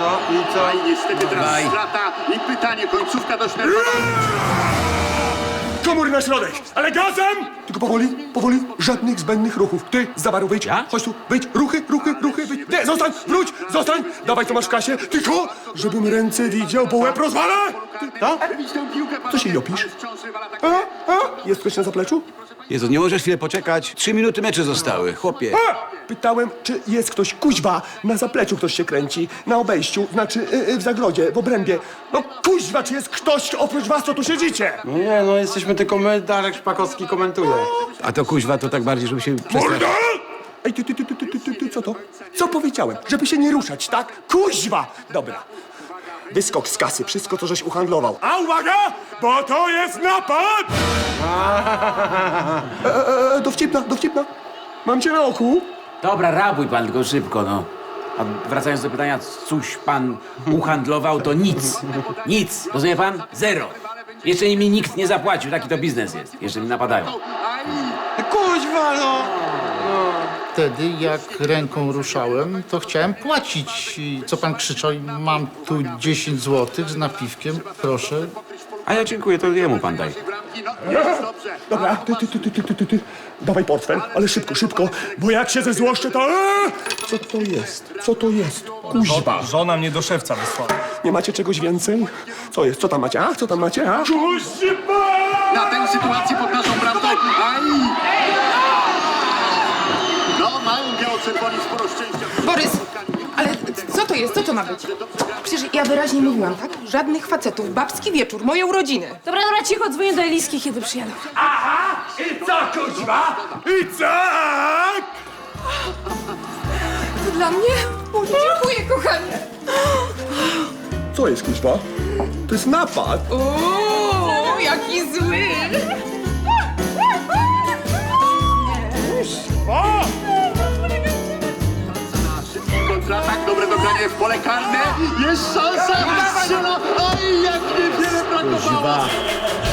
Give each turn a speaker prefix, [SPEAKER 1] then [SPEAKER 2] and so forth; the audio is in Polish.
[SPEAKER 1] I co?
[SPEAKER 2] I niestety teraz strata i pytanie, końcówka dość nerwowa.
[SPEAKER 3] Komury na środek, ale gazem! Tylko powoli, powoli, żadnych zbędnych ruchów. Ty, z zabaru wyjdź.
[SPEAKER 4] Ja?
[SPEAKER 3] Chodź tu, wyjdź, ruchy, wyjdź. Nie, zostań, wróć, zostań. Dawaj, co masz w kasie. Tylko, żebym ręce widział, bo łeb rozwalę. Co się jopisz? Jest ktoś na zapleczu?
[SPEAKER 4] Jezu, nie możesz chwilę poczekać? 3 minuty mecze zostały, chłopie.
[SPEAKER 3] Pytałem, czy jest ktoś, kuźwa, na zapleczu ktoś się kręci, na obejściu, znaczy w zagrodzie, w obrębie. No kuźwa, czy jest ktoś oprócz was, co tu siedzicie?
[SPEAKER 1] No nie, no jesteśmy tylko my, Darek Szpakowski komentuje.
[SPEAKER 4] A to kuźwa, to tak bardziej, żeby się
[SPEAKER 3] Morda!
[SPEAKER 4] przestraszyć.
[SPEAKER 3] Ej, ty, co to? Co powiedziałem? Żeby się nie ruszać, tak? Kuźwa! Dobra. Wyskok z kasy, wszystko to żeś uhandlował. A uwaga, bo to jest napad! Dowcipna. Mam cię na oku.
[SPEAKER 5] Dobra, rabuj pan tylko szybko, no. A wracając do pytania, coś pan uhandlował, to nic. Nic. Rozumie pan? Zero. Jeszcze mi nikt nie zapłacił, taki to biznes jest. Jeszcze mi napadają.
[SPEAKER 1] Kuźwa, no!
[SPEAKER 6] Wtedy, jak ręką ruszałem, to chciałem płacić. I co pan krzyczał? Mam tu 10 zł z napiwkiem, proszę.
[SPEAKER 4] A ja dziękuję, to jemu pan daj.
[SPEAKER 3] Dobra, ty. Dawaj portfel, ale szybko, bo jak się zezłoszczę, to... Co to jest? Kuźwa.
[SPEAKER 7] Żona mnie do szewca wysłała.
[SPEAKER 3] Nie macie czegoś więcej? Co jest? Co tam macie? Kuźwa!
[SPEAKER 2] Na tę sytuację pod naszą bramką. Aj! No, mają biało-czerwoni sporo szczęścia.
[SPEAKER 8] Borys, ale co to jest? Co to ma być? Przecież ja wyraźnie mówiłam, tak? Żadnych facetów. Babski wieczór, moje urodziny.
[SPEAKER 9] Dobra, cicho, dzwonię do Eliski, kiedy przyjadą.
[SPEAKER 3] Aha! I co, kuźwa? I tak!
[SPEAKER 8] To dla mnie? O, dziękuję, kochanie.
[SPEAKER 3] Co jest, kuźwa? To jest napad.
[SPEAKER 8] O, jaki zły.
[SPEAKER 2] Kontratak, dobre dogranie w pole karne. Jest szansa. Strzela. Oj, jak niewiele brakowało.